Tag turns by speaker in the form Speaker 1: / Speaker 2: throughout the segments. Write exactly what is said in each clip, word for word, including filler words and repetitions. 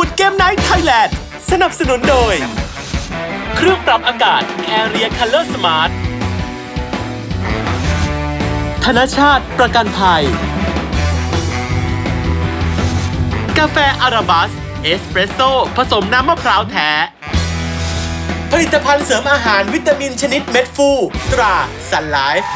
Speaker 1: วูดเกมไนท์ไทยแลนด์สนับสนุนโดยเครื่องปรับอากาศ Area Color Smart ธนชาติประกันภัยกาแฟอาราบัสเอสเปรสโซ่ผสมน้ำมะพร้าวแท้ผลิตภัณฑ์เสริมอาหารวิตามินชนิดเม็ดฟูตราซันไลฟ์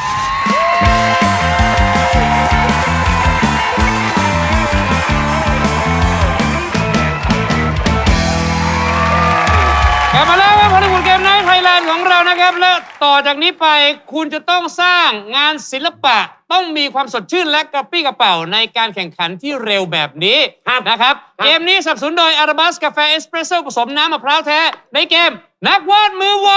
Speaker 2: กลับมาแล้วครับฮอลลีวูดเกมไนท์ไทยแลนด์ของเรานะครับและต่อจากนี้ไปคุณจะต้องสร้างงานศิลปะต้องมีความสดชื่นและกระปรี้กระเป๋าในการแข่งขันที่เร็วแบบนี้นะครับเกมนี้สนับสนุนโดยอาราบัสกาแฟเอสเปรสโซ่ผสมน้ำมะพร้าวแท้ในเกมนักวาดมือไว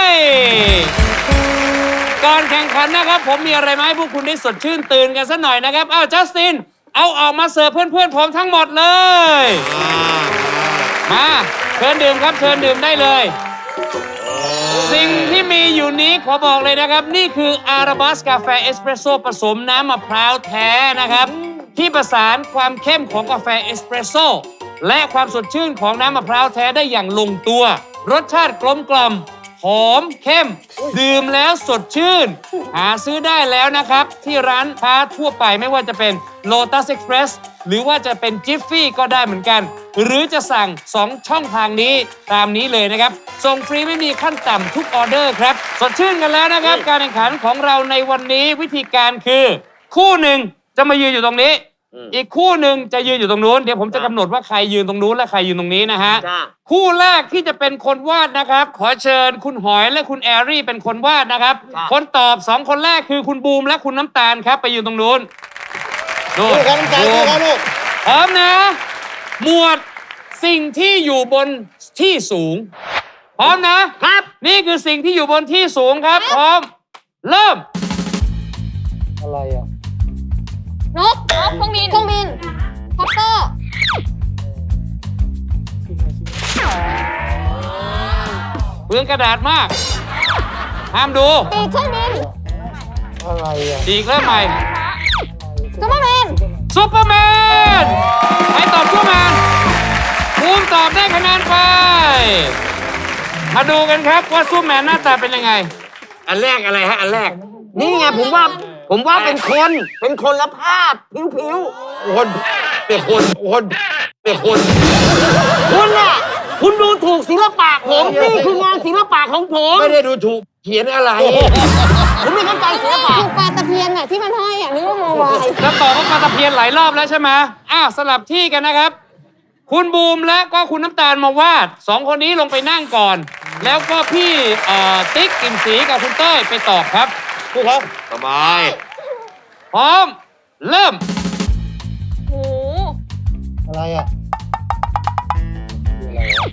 Speaker 2: ก่อนแข่งขันนะครับผมมีอะไรมาให้พวกคุณได้สดชื่นตื่นกันสักหน่อยนะครับอ้าวจัสตินเอาออกมาเสิร์ฟเพื่อนๆผมทั้งหมดเลยมาเชิญดื่มครับเชิญดื่มได้เลยสิ่งที่มีอยู่นี้ขอบอกเลยนะครับนี่คืออาราบัสกาแฟเอสเปรสโซ่ผสมน้ำมะพร้าวแท้นะครับที่ประสานความเข้มของกาแฟเอสเปรสโซ่และความสดชื่นของน้ำมะพร้าวแท้ได้อย่างลงตัวรสชาติกลมกล่อมหอมเข้มดื่มแล้วสดชื่นหาซื้อได้แล้วนะครับที่ร้านค้าทั่วไปไม่ว่าจะเป็น Lotus Express หรือว่าจะเป็น Jiffy ก็ได้เหมือนกันหรือจะสั่งสองช่องทางนี้ตามนี้เลยนะครับส่งฟรีไม่มีขั้นต่ำทุกออเดอร์ครับสดชื่นกันแล้วนะครับการแข่งขันของเราในวันนี้วิธีการคือคู่หนึ่งจะมายืนอยู่ตรงนี้อีกคู่หนึ่งจะยืนอยู่ตรงนู้นเดี๋ยวผมจะกำหนดว่าใครยืนตรงนู้นและใครยืนตรงนี้นะฮะคู่แรกที่จะเป็นคนวาดนะครับขอเชิญคุณหอยและคุณแอรี่เป็นคนวาดนะครับคนตอบสองคนแรกคือคุณบูมและคุณน้ำตาลครับไปยืนตรงนู้นดูครับน้ำตาลดูครับลูกพร้อมนะหมวดสิ่งที่อยู่บนที่สูงพร้อมนะครับนี่คือสิ่งที่อยู่บนที่สูงครับพร้อมเริ่มอะไรอ่ะ
Speaker 3: นกนกเครื่องบินเครื่องบินคอปเตอร์
Speaker 2: เปลืองกระดาษมากห้ามดู
Speaker 3: ปีกเครื่องบิน
Speaker 2: อะไรอ่ะปีกเริ่มใหม่
Speaker 3: ซูเปอร์แมน
Speaker 2: ซูเปอร์แมนใครตอบซูเปอร์แมนภูมิตอบได้คะแนนไปมาดูกันครับว่าซูเปอร์แมนหน้าตาเป็นยังไง
Speaker 4: อันแรกอะไรฮะอันแรกนี่ไงผมว่าผมว่าเป็นคน เป็นคนละภาพผิวๆคนเป็นคนคนเป็นคนคุณน่ะคุณดูถูกศิลปะผมนี่คืองานศิลปะของผมไม่ได้ดูถูกเขียนอะไรผมไม่เข้าใจศิลปะ
Speaker 3: ถูกปลาตะเพียนน่ะที่มันห้อยอ่ะนึกว่าโมบาย
Speaker 2: แล้วตอบว่าปลาตะเพียนหลายรอบแล้วใช่ไหมอ้าวสลับที่กันนะครับคุณบูมและก็คุณน้ำตาลมาวาดสองคนนี้ลงไปนั่งก่อนแล้วก็พี่ติ๊กกลิ่นสีกับคุณเต้ยไปตอบครับพวกเขา
Speaker 4: สบาย
Speaker 2: พร้อมเริ่ม
Speaker 3: โอ้
Speaker 4: อะไรอ่ะอะไรอ่ะ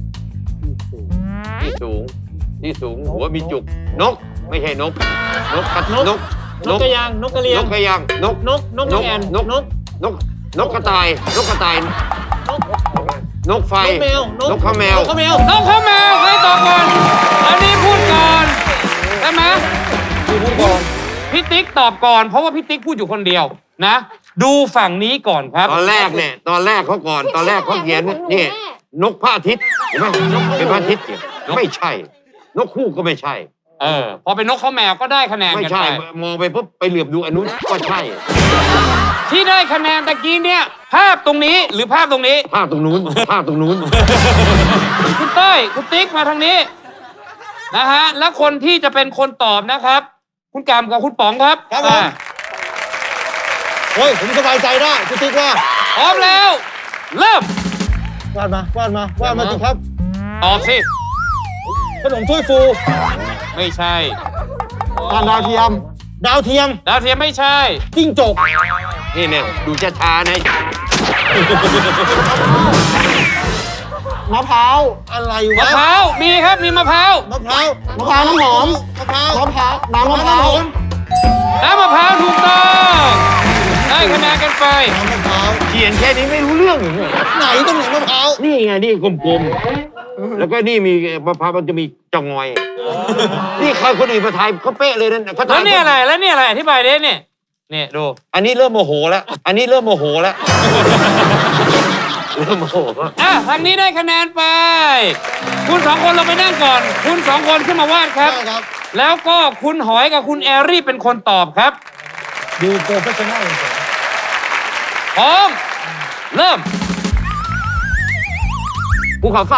Speaker 4: ที่สูงที่สูงหัวมีจุกนกไม่ใช่นกนกกระนก
Speaker 2: นกกระยางนกกระเรียง
Speaker 4: นกกระยางนก
Speaker 2: นกนกนกแอน
Speaker 4: นกนกนกนกกระต่ายนกกระต่ายนกไฟ
Speaker 2: นกแมวน
Speaker 4: กข้าวแมวน
Speaker 2: กข้าวแมวนกข้าวแมวใครตอบก่อนอันนี้พูดก่อนใช่ไหมพูดก่อนพี่ติ๊กตอบก่อนเพราะว่าพี่ติ๊กพูดอยู่คนเดียวนะดูฝั่งนี้ก่อนครับ
Speaker 4: ตอนแรกเนี่ยตอนแรกเขาก่อนตอนแรกเขาเขียนนี่นกพระอาทิตย์เห็นไหมเป็นพระอาทิตย์ไม่ใช่นกคู่ก็ไม่ใช่
Speaker 2: เออพอเป็นนกข้าวแมวก็ได้คะแนนกันไป
Speaker 4: ไม่ใช่มองไปปุ๊บไปเหลือบดูอันนู้นก็ใช่
Speaker 2: ที่ได้คะแนนตะกี้เนี่ยภาพตรงนี้หรือภาพตรงนี้
Speaker 4: ภาพตรงนู้นภาพตรงนู้น
Speaker 2: คุณเต้ยคุณติ๊กมาทางนี้นะฮะแล้วคนที่จะเป็นคนตอบนะครับคุณกามกับคุณป๋องครับ
Speaker 4: ครับผมโอ้ยผมสบายใจได้คุณติ๊กว่า
Speaker 2: พร้อมแล้วเริ่ม
Speaker 4: วาดมาวาดมาวาดมาสิครับ
Speaker 2: ตอบสิ
Speaker 4: ขนมถ้วยฟู
Speaker 2: ไม่ใช่
Speaker 4: ดาวเทียมดาวเทียม
Speaker 2: ดาวเทียมไม่ใช่
Speaker 4: จิ้งจกนี่เนี่ยดูช้าๆนะมะพร้าวอะไรวะ
Speaker 2: มะพร้าวมีครับมีมะพร้าว
Speaker 4: มะพร้าวมะพร้าวน้ำหอมมะพร้าวมะพร้าวน้ำมะพร้าว
Speaker 2: น้ำมะพร้าวถูกต้องได้คะแนนกันไป
Speaker 4: น้ำมะพร้าวเขียนแค่นี้ไม่รู้เรื่องไหนตรงไหนมะพร้าวนี่ไงนี่กลมๆแล้วก็นี่มีมะพร้าวมันจะมีจงอยนี่ใครคนอื่นมาทายเขาเป๊ะเลยนั่น
Speaker 2: แล้วนี่อะไรแล้วนี่อะไรอธิบายดิเนี่ยเนี่ยดู
Speaker 4: อันนี้เริ่มโมโหแล้วอันนี้เริ่มโมโหแล้วเริ่มโมโห
Speaker 2: อ่ะทางนี้ได้คะแนนไป คุณสองคนลงไปนั่งก่อน คุณสองคนขึ้นมาวาดครับ
Speaker 5: ได้ครับ
Speaker 2: แล้วก็คุณหอยกับคุณแอรี่เป็นคนตอบครับ
Speaker 5: ดูโปรเฟชชั่นแนล
Speaker 2: พร้อม เริ่ม
Speaker 4: ภูเขาไฟ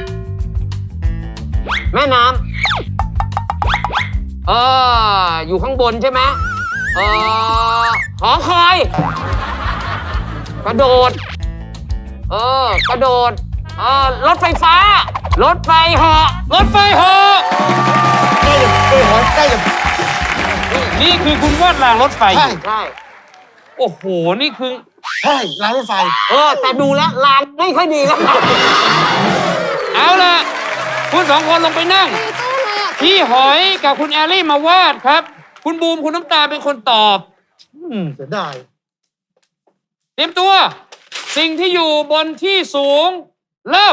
Speaker 4: แม่น้ำเอออยู่ข้างบนใช่ไหมเออหอคอย กระโดด เออกระโดด เออรถไฟฟ้า รถไฟเหาะ
Speaker 2: รถไฟเหาะ
Speaker 5: ใกล้จะเออหอยใกล้จะ
Speaker 2: นี่คือคุณวาดรางรถไฟ
Speaker 5: ใช่
Speaker 4: ใช่
Speaker 2: โอ้โห นี่คือ
Speaker 5: ใช่รางรถไฟ
Speaker 4: เออ แต่ดูแล้วลางไม่ค่อยดีแล้ว
Speaker 2: เอาล่ะ คุณสองคนลงไปนั่ง
Speaker 3: มีตู้เลยอ่ะ
Speaker 2: พี่หอยกับคุณแอรี่มาวาดครับ คุณบูมคุณน้ำตาลเป็นคนตอบ
Speaker 5: อืมเสียดาย
Speaker 2: เตรียมตัว สิ่งที่อยู่บนที่สูง เริ่ม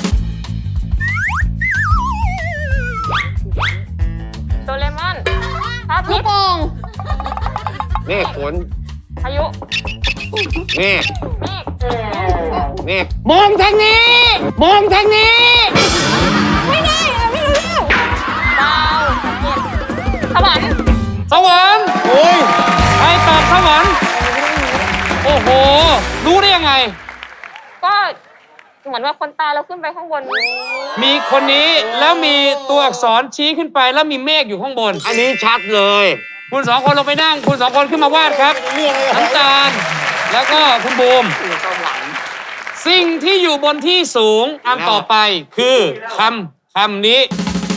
Speaker 3: โดเรมอนพระอาทิตย์ลูกโป่ง
Speaker 4: เมฆฝน
Speaker 3: พายุ
Speaker 4: เมฆ
Speaker 3: เมฆ
Speaker 4: เมฆ
Speaker 2: มองทางนี้ มองทางนี้
Speaker 3: ไม่ได้อะไม่รู้เรื่องดาวสวรรค์
Speaker 2: สวรรค์
Speaker 5: โอ้ย
Speaker 2: ใครตอบสวรรค์ โอ้โห รู้ได้ยังไง
Speaker 3: ก็เหมือนว่าคนตายแล้วขึ้นไปข้างบน
Speaker 2: มีคนนี้แล้วมีตัวอักษรชี้ขึ้นไปแล้วมีเมฆอยู่ข้างบน
Speaker 4: อันนี้ชัดเลย
Speaker 2: คุณสองคนลงไปนั่ง คุณสองคนขึ้นมาวาดครับ
Speaker 5: เรื่องอะไร
Speaker 2: น้ำตาล แล้วก็คุณบูม สิ่งที่อยู่บนที่สูงอันต่อไปคือคำคำนี้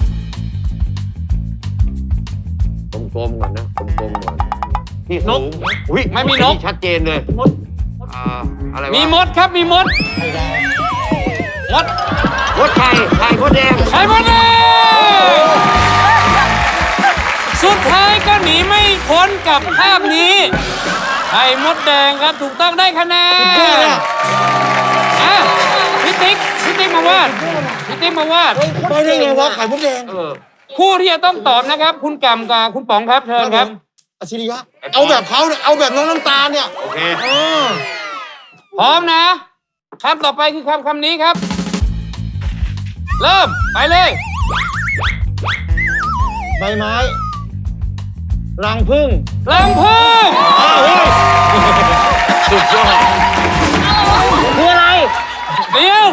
Speaker 4: กลมๆก่อนนะกลมๆก่อนที่สูงอุ๊ย
Speaker 2: ไม่มีนก
Speaker 4: อัชัดเจนเลยอ่าอะไรวะ
Speaker 2: มีมดครับ มีมด มด
Speaker 4: มดไข่ไข่มดแดง
Speaker 2: ไข่มดแดงสุดท้ายก็หนีไม่พ้นกับภาพนี้ไข่มดแดงครับถูกต้องได้คะแนนอ่ะพี่ติ๊กพี่ติ๊กมาวาดพี่ติ๊กมาวาด
Speaker 5: ไปได้ไงวะไข่มดแดง
Speaker 4: เออ
Speaker 2: คู่ที่จะต้องตอบนะครับ คุณกำกับคุณป๋องครับเชิญครับ
Speaker 5: อชิริยะเอาแบบเขาเนี่ยเอาแบบน้องน้ำตาลเนี่ย
Speaker 4: โอเค
Speaker 5: เออ
Speaker 2: พร้อมนะคำต่อไปคือคำคำนี้ครับ เริ่มไปเลย
Speaker 5: ใบไม้รังผึ้ง
Speaker 2: ลังพึ่ง
Speaker 5: อ้าวเฮ้ย
Speaker 4: สุดยอด
Speaker 2: คืออะไร เดี๋ยว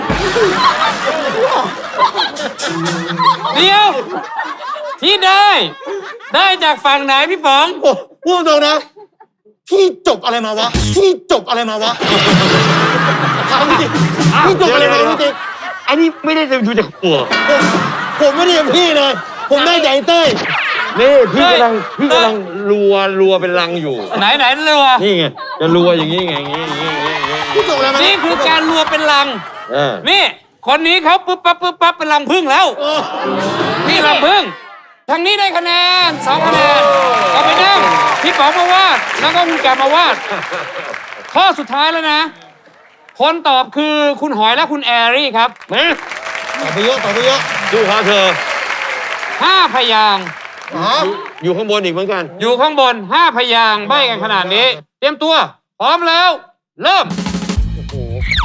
Speaker 2: เดี๋ยวที่ได้ ได้จากฝั่งไหนพี่ป๋อง
Speaker 5: โอ้พูดตรงๆนะพี่จบอะไรมาวะพี่จบอะไรมาวะถามจริงพี่จบอะไรมาพี่ติ๊ก
Speaker 4: อันนี้ไม่ได้ดูจากหัว
Speaker 5: ผมผมไม่ได้เป็นพี่เลย ผมได้ใจเต้ย
Speaker 4: นี่พี่กำลังพี่กำลังรัวรัวเป็นรังอยู่
Speaker 2: ไหนไหนเรือ
Speaker 4: นี่ไงจะรัวอย่างนี้ไงอย่างนี้อย่างนี้อย่างนี้อย่างนี้
Speaker 5: พี่จบอะไรมา
Speaker 2: นี่คือการรัวเป็นลัง
Speaker 4: เออ
Speaker 2: นี่ คนนี้เขาปึ๊บปั๊บปึ๊บปั๊บเป็นลังพึ่งแล้ว
Speaker 5: เออ
Speaker 2: นี่ลังพึ่งทางนี้ได้คะแนนสองคะแนนเอาไปนั่งพี่ป๋องมาวาดแล้วก็คุณแกมาวาด ข้อสุดท้ายแล้วนะ คนตอบคือคุณหอยและคุณแอรี่ครับ
Speaker 4: มา
Speaker 5: ต่อไปเยอะต่อไปเยอะ
Speaker 4: ดูเขาเธอ
Speaker 2: ห้าพยางค์
Speaker 5: อ๋อ
Speaker 4: อยู่ข้างบนอีกเหมือนกัน
Speaker 2: อยู่ข้างบนห้าพยางค์ใบกันขนาดนี้ เตรียมตัว พร้อมแล้ว เริ่ม
Speaker 4: โอ้โห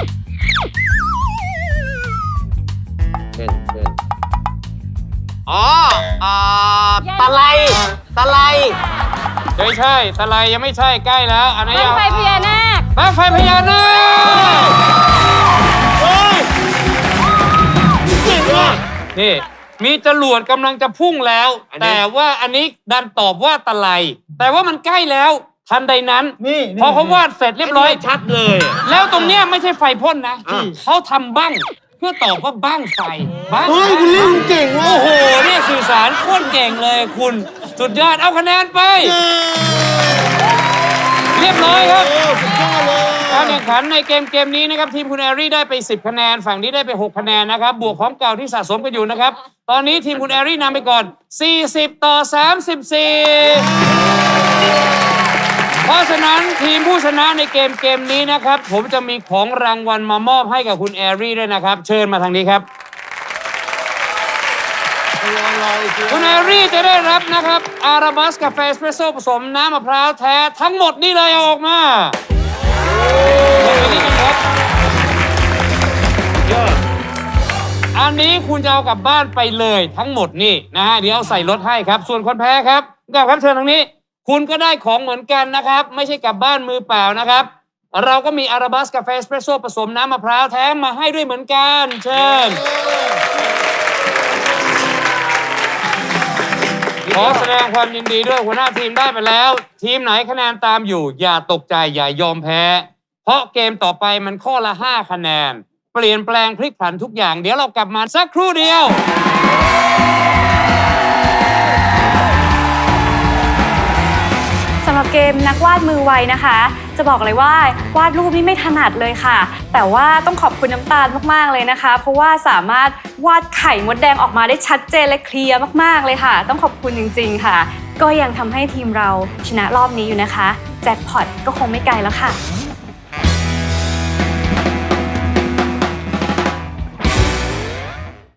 Speaker 4: เช่นเช่นอ๋ออ่าตะไลตะไล
Speaker 2: ไม่ใช่ตะไลยังไม่ใช่ใกล้แล้ว อันนี้
Speaker 3: บ้าง
Speaker 2: ยัง
Speaker 3: ไฟพญานาค
Speaker 2: บ้างไฟพญานาค
Speaker 5: เฮ้ยเก่งว่ะ
Speaker 2: นี่มีจรวดกำลังจะพุ่งแล้ว แต่ว่าอันนี้ดันตอบว่าตะไล แต่ว่ามันใกล้แล้ว ทันใดนั้น
Speaker 5: นี่
Speaker 2: พอเขาวาดเสร็จเรียบร้อย
Speaker 4: ชัดเลยอะ
Speaker 2: แล้วตรงเนี้ยไม่ใช่ไฟพ่นนะ
Speaker 4: อ่า
Speaker 2: เขาทำบ้างเพื่อตอบว่าบ้างไฟบ้าง
Speaker 5: เฮ้ยคุณเล่นเก่งว่ะ
Speaker 2: โอ้โหเนี่ยสื่อสารโคตรเก่งเลยคุณ สุดยอดเอาคะแนนไป เรียบร้อยครับ
Speaker 5: เออสุดยอดเลย
Speaker 2: การแข่งขันในเกมเกมนี้นะครับทีมคุณแอรี่ได้ไปสิบคะแนนฝั่งนี้ได้ไปหกคะแนนนะครับบวกของเก่าที่สะสมกันอยู่นะครับตอนนี้ทีมคุณแอรี่นำไปก่อนสี่สิบต่อสามสิบสี่เพราะฉะนั้นทีมผู้ชนะในเกมเกมนี้นะครับผมจะมีของรางวัลมามอบให้กับคุณแอรี่ด้วยนะครับเชิญมาทางนี้ครับคุณแอรี่จะได้รับนะครับอาราบัสกาแฟเอสเปรสโซ่ผสมน้ำมะพร้าวแท้ทั้งหมดนี่เลยเอาออกมา ลงไปนี่กันครับอันนี้คุณจะเอากลับบ้านไปเลยทั้งหมดนี่นะฮะเดี๋ยวเอาใส่รถให้ครับส่วนคนแพ้ครับกลับครับเชิญทางนี้คุณก็ได้ของเหมือนกันนะครับไม่ใช่กลับบ้านมือเปล่านะครับเราก็มีอาราบัสกาแฟเอสเปรสโซ่ผสมน้ำมะพร้าวแท้มาให้ด้วยเหมือนกันเชิญขอแสดงความยินดีด้วยหัวหน้าทีมได้ไปแล้วทีมไหนคะแนนตามอยู่อย่าตกใจอย่ายอมแพ้เพราะเกมต่อไปมันข้อละห้าคะแนนเปลี่ยนแปลงพลิกผันทุกอย่างเดี๋ยวเรากลับมาสักครู่เดียว
Speaker 3: สำหรับเกมนักวาดมือไวนะคะจะบอกเลยว่าวาดรูปนี่ไม่ถนัดเลยค่ะแต่ว่าต้องขอบคุณน้ำตาลมากๆเลยนะคะเพราะว่าสามารถวาดไข่มดแดงออกมาได้ชัดเจนและเคลียร์มากๆเลยค่ะต้องขอบคุณจริงๆค่ะก็ยังทำให้ทีมเราชนะรอบนี้อยู่นะคะแจ็คพอตก็คงไม่ไกลแล้วค่ะ